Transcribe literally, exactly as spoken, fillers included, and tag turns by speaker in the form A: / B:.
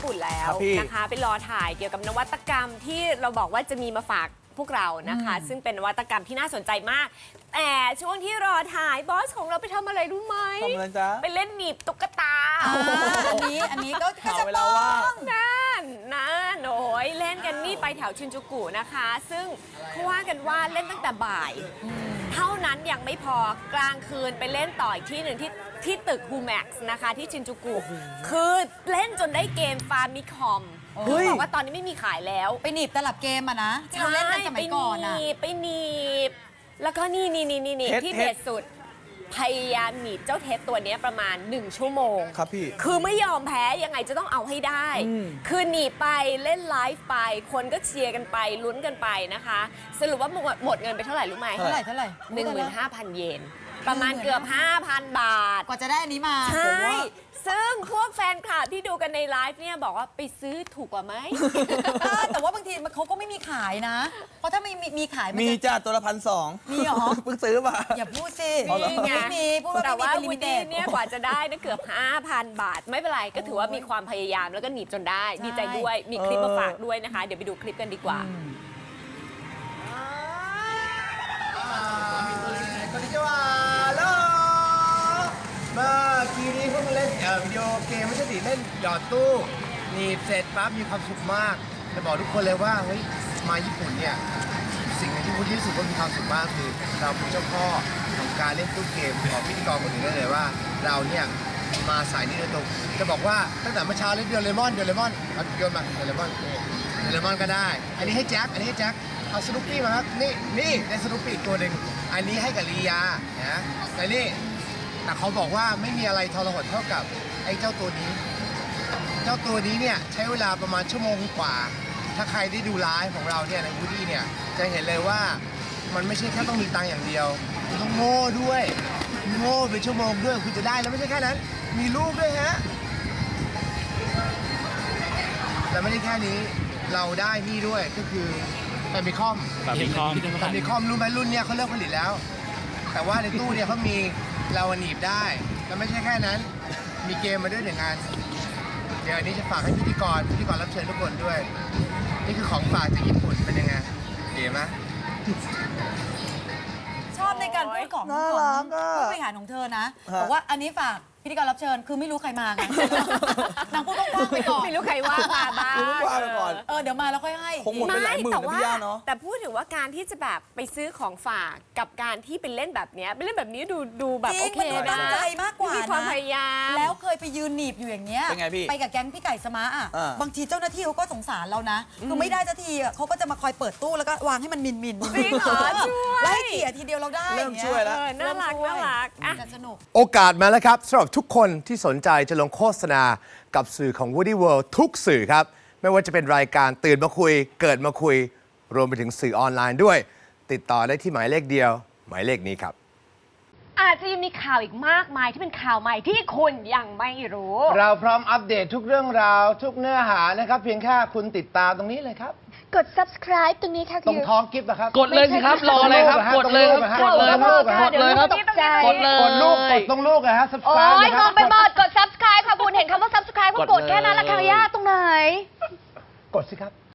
A: ปุ่นแล้วนะคะไปรอถ่ายเกี่ยวกับนวัตกรรมที่เราบอกว่าจะมีมาฝากพวกเรานะคะซึ่งเป็นนวัตกรรมที่น่าสนใจมากแต่ช่วงที่รอถ่ายบอสของเราไปทำอะไรรู้ไหม
B: ทำอะไรจ๊ะ
A: ไปเล่นหนีบตุ๊กตา
C: อันนี้อันนี้ก็จะ
B: ต้อง
A: นั่นนั่นโอ้ยเล่นกันนี่ไปแถวชินจูกุนะคะซึ่งเขาว่ากันว่าเล่นตั้งแต่บ่ายเท่านั้นยังไม่พอกลางคืนไปเล่นต่ออีกที่หนึ่งที่ที่ตึกฮูแม็กซ์นะคะที่ชินจูกุคือเล่นจนได้เกมฟาร์มิคอมเขาบอกว่าตอนนี้ไม่มีขายแล้ว
C: ไปหนีบตลับเกมอะนะที่เราเล่นกันสมัยก่อนอะ
A: ไปหนีบแล้วก็นี่นี่นี่นี่ที่เด็ดสุดพยายามหนีบเจ้าเท็ดตัวนี้ประมาณหนึ่งชั่วโมง
B: ครับพี่
A: คือไม่ยอมแพ้ยังไงจะต้องเอาให้ได้คือหนีบไปเล่นไลฟ์ไปคนก็เชียร์กันไปลุ้นกันไปนะคะสรุปว่าหมดเงินไปเท่าไหร่รู้ไหม
C: เท่าไหร่เท่าไหร่
A: หนึ่งหมื่นห้าพันเยนประมาณเกือบ ห้าพัน บาท
C: กว่าจะได้อันนี้มา
A: ใช่ซึ่งพวกแฟนคลับที่ดูกันในไลฟ์เนี่ยบอกว่าไปซื้อถูกกว่าไหม
C: แต่ว่าบางทีเขาก็ไม่มีขายนะเพราะถ้ามีมีขาย
B: มีจ้าตัวละพันสอง
C: มีเหรอ
B: เพิ่งซื้อมา
C: อย่าพูดสิ
A: มีไง
C: มีพูดว่า
A: แต่ว่าวูดดี้เนี่ยกว่าจะได้นะเกือบ ห้าพัน บาทไม่เป็นไรก็ถือว่ามีความพยายามแล้วก็หนีบจนได้ดีใจด้วยมีคลิปมาฝากด้วยนะคะเดี๋ยวไปดูคลิปกันดีกว่า
D: เมื่อกี้นี้เพิ่งเล่นวิดีโอเกมไม่ใช่สิเล่นหยอดตู้หนีบเสร็จปั๊บมีความสุขมากจะบอกทุกคนเลยว่าเฮ้ยมาญี่ปุ่นเนี่ยสิ่งที่พูดที่สุดก็มีความสุขมากคือเราเป็นเจ้าพ่อของการเล่นตู้เกมของพิธีกรคนอื่นได้เลยว่าเราเนี่ยมาสายนี้โดยตรงจะบอกว่าตั้งแต่เมื่อเช้าเล่นเดลเลมอนเดลเลมอนเอาโยนมาเดลเลมอนเดลเลมอนก็ได้อันนี้ให้แจ็คอันนี้ให้แจ็คเอาสนุปปี้มาครับนี่นี่ได้สนุปปี้ตัวหนึ่งอันนี้ให้กับลียานะแต่นี่แต่เขาบอกว่าไม่มีอะไรทรหดเท่ากับไอ้เจ้าตัวนี้ เจ้าตัวนี้เนี่ยใช้เวลาประมาณชั่วโมงกว่า ถ้าใครได้ดูไลฟ์ของเราเนี่ยในวูดี้เนี่ยจะเห็นเลยว่ามันไม่ใช่แค่ต้องมีตังค์อย่างเดียวคุณต้องโง่ด้วยโง่เป็นชั่วโมงด้วยคุณจะได้แล้วไม่ใช่แค่นั้นมีลูกด้วยฮะและไม่ได้แค่นี้เราได้นี่ด้วยก็คือแฟมิคอม
B: แฟมิคอม
D: แฟมิคอมรู้ไหมรุ่นเนี้ยเขาเลิกผลิตแล้วแต่ว่าในตู้เนี่ยเขามีเราหนีบได้แล้วไม่ใช่แค่นั้นมีเกมมาด้วยหนึ่งงานเดี๋ยวอันนี้จะฝากให้พิธีกรพิธีกรรับเชิญทุกคนด้วยนี่คือของฝากจากญี่ปุ่นเป็นยังไงเก๋ไหม
C: ชอบในการพูดของผู้บริหารของเธอนะบอกว่าอันนี้ฝากพิธีกรรับเชิญคือไม่รู้ใครมาไงนางพูดกว้างๆไปก่อน
A: ไม่รู้ใครว่ามาบ้าง
B: ว่าไปก่อน
C: เออเดี๋ยวมาแล้วค่อยให้
B: คงหมดไปหลายหมื่นนะพี่ย่าเนาะ
A: แต่พูดถึงว่าการที่จะแบบไปซื้อของฝากกับการที่ไปเล่นแบบนี้ไปเล่นแบบนี้ดูดูแบบโอเคนะ
C: ตั้งใจมากกว่า
A: มีความพยายาม
C: แล้วเคยไปยืนหนีบอยู่อย่างเงี้ยไปกับแก๊งพี่ไก่สมาร์อ่ะบางทีเจ้าหน้าที่เขาก็สงสารเรานะคือไม่ได้สักทีเขาก็จะมาคอยเปิดตู้แล้วก็วางให้มันมินมิน
A: จริงเหรอช่วย
C: ไล่เขี่ยทีเดียวเราได้
B: เริ่มช่วยแล้ว
A: น่ารักน่ารัก
C: สนุก
E: โอกาสมาแล้วครับสำหรับทุกคนที่สนใจจะลงโฆษณากับสื่อของ Woody World ทุกสื่อครับไม่ว่าจะเป็นรายการตื่นมาคุยเกิดมาคุยรวมไปถึงสื่อออนไลน์ด้วยติดต่อได้ที่หมายเลขเดียวหมายเลขนี้ครับ
A: อาจจะยังมีข่าวอีกมากมายที่เป็นข่าวใหม่ที่คุณยังไม่รู้
D: เราพร้อมอัปเดตทุกเรื่องราวทุกเนื้อหานะครับเพียงแค่คุณติดตามตรงนี้เลยครับ
A: กด subscribe ตรงนี้ค่ะ
D: ตรงท้องกิฟต์นะครับ
B: กดเลยสิครับรอเลยครับกดเลยครับกดเลยครับกดเลยครับกดเลย
D: กดลูกกดตรงลูกนะฮะ subscribe
A: โอ้ยมองไปหมดกด subscribe ค่ะคุณเห็นคำว่า subscribe ก็กดแค่นั้นละค่ะย่าตรงไหน
D: กดสิครับ